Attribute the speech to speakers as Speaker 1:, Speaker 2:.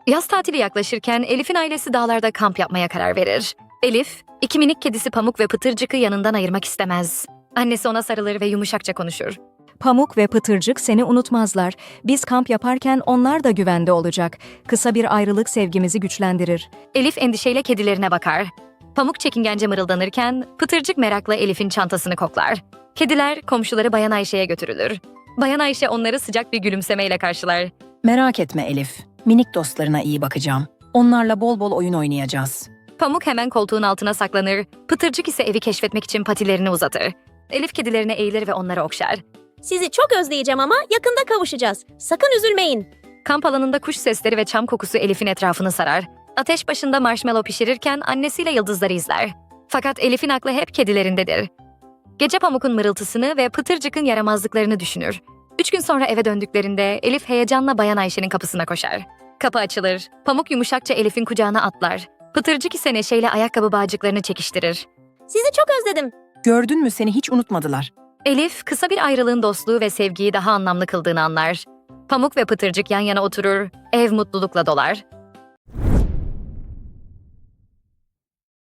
Speaker 1: Yaz tatili yaklaşırken Elif'in ailesi dağlarda kamp yapmaya karar verir. Elif, iki minik kedisi Pamuk ve Pıtırcık'ı yanından ayırmak istemez. Annesi ona sarılır ve yumuşakça konuşur.
Speaker 2: Pamuk ve Pıtırcık seni unutmazlar. Biz kamp yaparken onlar da güvende olacak. Kısa bir ayrılık sevgimizi güçlendirir.
Speaker 1: Elif endişeyle kedilerine bakar. Pamuk çekingence mırıldanırken Pıtırcık merakla Elif'in çantasını koklar. Kediler komşuları Bayan Ayşe'ye götürülür. Bayan Ayşe onları sıcak bir gülümsemeyle karşılar.
Speaker 3: Merak etme Elif. Minik dostlarına iyi bakacağım. Onlarla bol bol oyun oynayacağız.
Speaker 1: Pamuk hemen koltuğun altına saklanır, Pıtırcık ise evi keşfetmek için patilerini uzatır. Elif kedilerine eğilir ve onları okşar.
Speaker 4: Sizi çok özleyeceğim ama yakında kavuşacağız. Sakın üzülmeyin.
Speaker 1: Kamp alanında kuş sesleri ve çam kokusu Elif'in etrafını sarar. Ateş başında marshmallow pişirirken annesiyle yıldızları izler. Fakat Elif'in aklı hep kedilerindedir. Gece Pamuk'un mırıltısını ve Pıtırcık'ın yaramazlıklarını düşünür. 3 gün sonra eve döndüklerinde Elif heyecanla Bayan Ayşe'nin kapısına koşar. Kapı açılır. Pamuk yumuşakça Elif'in kucağına atlar. Pıtırcık ise neşeyle ayakkabı bağcıklarını çekiştirir.
Speaker 4: Sizi çok özledim.
Speaker 3: Gördün mü, seni hiç unutmadılar.
Speaker 1: Elif, kısa bir ayrılığın dostluğu ve sevgiyi daha anlamlı kıldığını anlar. Pamuk ve Pıtırcık yan yana oturur, ev mutlulukla dolar.